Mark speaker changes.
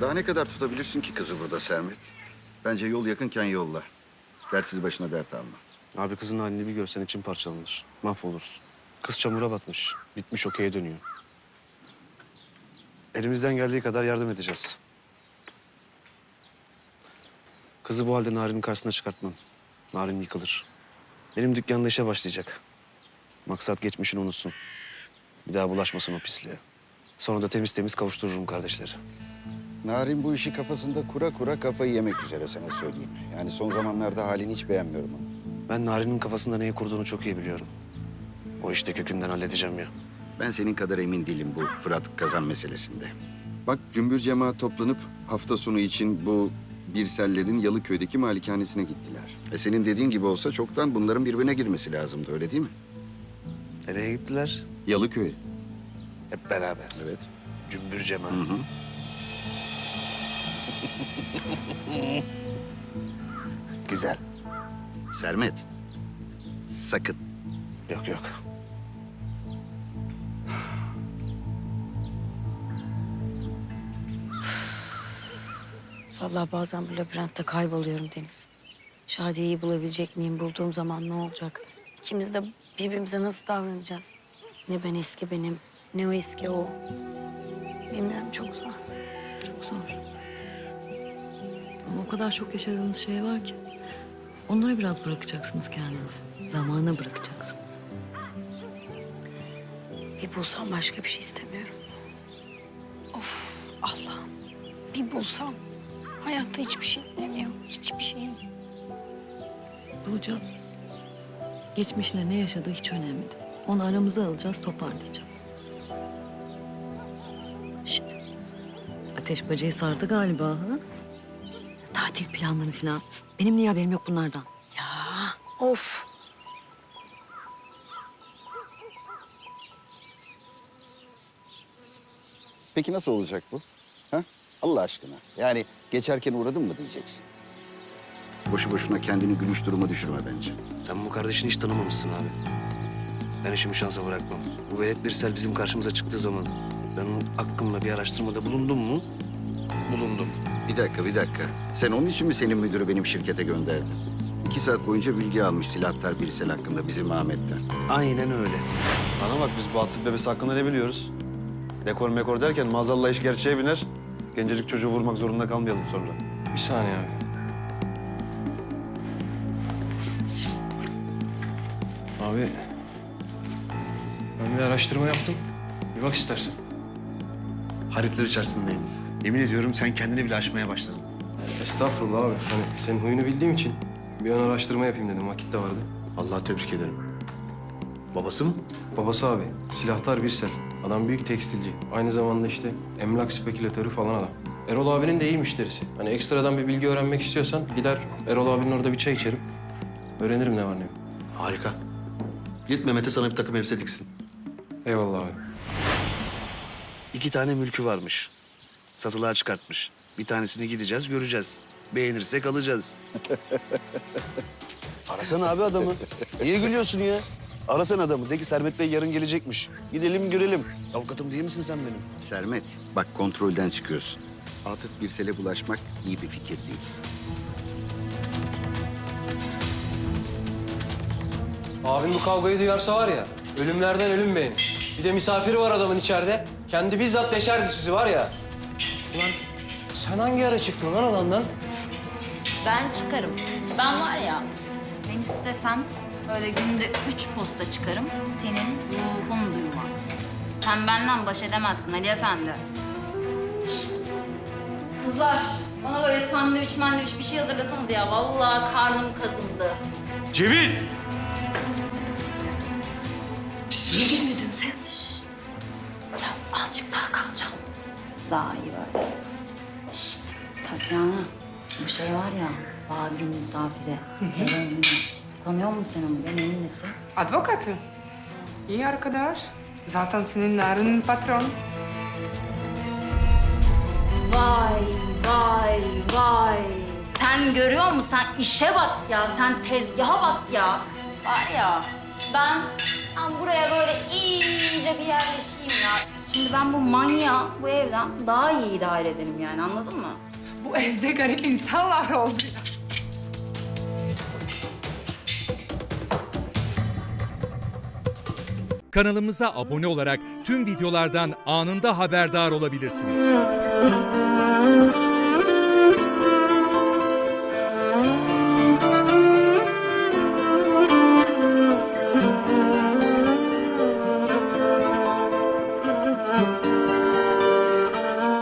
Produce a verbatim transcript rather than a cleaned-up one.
Speaker 1: Daha ne kadar tutabilirsin ki kızı burada Sermet? Bence yol yakınken yolla. Dertsiz başına dert alma.
Speaker 2: Abi kızın halini bir görsen için parçalanır. Mahvoluruz. Kız çamura batmış. Bitmiş okey'e dönüyor. Elimizden geldiği kadar yardım edeceğiz. Kızı bu halde Narin'in karşısına çıkartmam. Narin yıkılır. Benim dükkanda işe başlayacak. Maksat geçmişini unutsun. Bir daha bulaşmasın o pisliğe. Sonra da temiz temiz kavuştururum kardeşleri.
Speaker 1: Narin bu işi kafasında kura kura kafayı yemek üzere sana söyleyeyim. Yani son zamanlarda halini hiç beğenmiyorum onu.
Speaker 2: Ben Narin'in kafasında neyi kurduğunu çok iyi biliyorum. O işte kökünden halledeceğim ya.
Speaker 1: Ben senin kadar emin değilim bu Fırat Kazan meselesinde. Bak cümbür cemaat toplanıp hafta sonu için bu Birsellerin Yalıköy'deki malikanesine gittiler. E senin dediğin gibi olsa çoktan bunların birbirine girmesi lazımdı, öyle değil mi?
Speaker 2: Nereye gittiler?
Speaker 1: Yalıköy.
Speaker 2: Hep beraber.
Speaker 1: Evet.
Speaker 2: Cümbür cemaat.
Speaker 1: Hı hı.
Speaker 2: Güzel.
Speaker 1: Sermet. Sakın.
Speaker 2: Yok yok.
Speaker 3: Vallahi bazen bu labirentte kayboluyorum Deniz. Şadiye'yi bulabilecek miyim? Bulduğum zaman ne olacak? İkimiz de birbirimize nasıl davranacağız? Ne ben eski benim, ne o eski o. Bilmiyorum, çok zor.
Speaker 4: Çok zor. Ama o kadar çok yaşadığınız şey var ki. Onlara biraz bırakacaksınız kendinizi. Zamana bırakacaksınız.
Speaker 3: Bir bulsam başka bir şey istemiyorum. Of Allah'ım. Bir bulsam. Hayatta hiçbir şey yok. Hiçbir şeyim.
Speaker 4: Bulacağız. Geçmişinde ne yaşadığı hiç önemli değil. Onu aramıza alacağız, toparlayacağız. İşte. Ateş bacayı sardı galiba ha? Tatil planları falan. Benim niye haberim yok bunlardan?
Speaker 3: Ya of.
Speaker 1: Peki nasıl olacak bu? Ha? Allah aşkına. Yani geçerken uğradın mı diyeceksin. Boşu boşuna kendini gülüş duruma düşürme bence.
Speaker 2: Sen bu kardeşini hiç tanımamışsın abi. Ben işimi şansa bırakmam. Bu velet Birsel bizim karşımıza çıktığı zaman ben onun hakkımla bir araştırmada bulundum mu? Bulundum.
Speaker 1: Bir dakika, bir dakika. Sen onun için mi senin müdürü benim şirkete gönderdin? İki saat boyunca bilgi almış silahtar Birsel hakkında bizim Ahmet'ten.
Speaker 2: Aynen öyle.
Speaker 5: Bana bak biz bu Atıf bebesi hakkında ne biliyoruz? Dekor mekor derken maazallah iş gerçeğe biner. Gencecik çocuğu vurmak zorunda kalmayalım sonra.
Speaker 6: Bir saniye abi. Abi, ben bir araştırma yaptım. Bir bak istersen.
Speaker 2: Haritler içerisindeyim. Yemin ediyorum sen kendini bile aşmaya başladın.
Speaker 6: Estağfurullah abi. Hani senin huyunu bildiğim için bir ön araştırma yapayım dedim. Vakit de vardı.
Speaker 2: Allah'a tebrik ederim. Babası mı?
Speaker 6: Babası abi, silahtar Birsel. Adam büyük tekstilci. Aynı zamanda işte emlak spekülatörü falan adam. Erol abinin de iyi müşterisi. Hani ekstradan bir bilgi öğrenmek istiyorsan gider Erol abinin orada bir çay içerim. Öğrenirim ne var ne yok.
Speaker 2: Harika. Git Mehmet'e sana bir takım elbise diksin.
Speaker 6: Eyvallah abi.
Speaker 2: İki tane mülkü varmış. Satılığa çıkartmış. Bir tanesini gideceğiz, göreceğiz. Beğenirsek alacağız. Arasana abi adamı. Niye gülüyorsun ya? Arasana adamı. De ki Sermet Bey yarın gelecekmiş. Gidelim görelim. Avukatım değil misin sen benim?
Speaker 1: Sermet, bak kontrolden çıkıyorsun. Atıf Birsel'e bulaşmak iyi bir fikir değil.
Speaker 6: Abim bu kavgayı duyarsa var ya, ölümlerden ölüm beğenir. Bir de misafiri var adamın içeride. Kendi bizzat deşerdi sizi var ya. Ulan sen hangi ara çıktın lan alandan?
Speaker 7: Ben çıkarım. Ben var ya, ben istesem böyle günde üç posta çıkarım, senin ruhun duymaz. Sen benden baş edemezsin Ali Efendi. Şşt! Kızlar, bana böyle sandviç mandviç bir şey hazırlasanız ya. Vallahi karnım kazındı.
Speaker 6: Cemil!
Speaker 7: Niye girmedin sen? Şşt! Ya azıcık daha kalacağım. Daha iyi böyle. Şşt! Tatyana, bu şey var ya, Babil'in misafiri. Heroinini. Tanıyor musun sen onu? Neyin nesi?
Speaker 8: Advokatı. İyi arkadaş. Zaten senin Narin'in patron.
Speaker 7: Vay, vay, vay. Sen görüyor musun? Sen işe bak ya. Sen tezgaha bak ya. Var ya. Ben, ben buraya böyle iyice bir yerleşeyim ya. Şimdi ben bu manyağı bu evden daha iyi idare ederim yani, anladın mı?
Speaker 8: Bu evde garip insanlar oldu ya.
Speaker 9: Kanalımıza abone olarak tüm videolardan anında haberdar olabilirsiniz.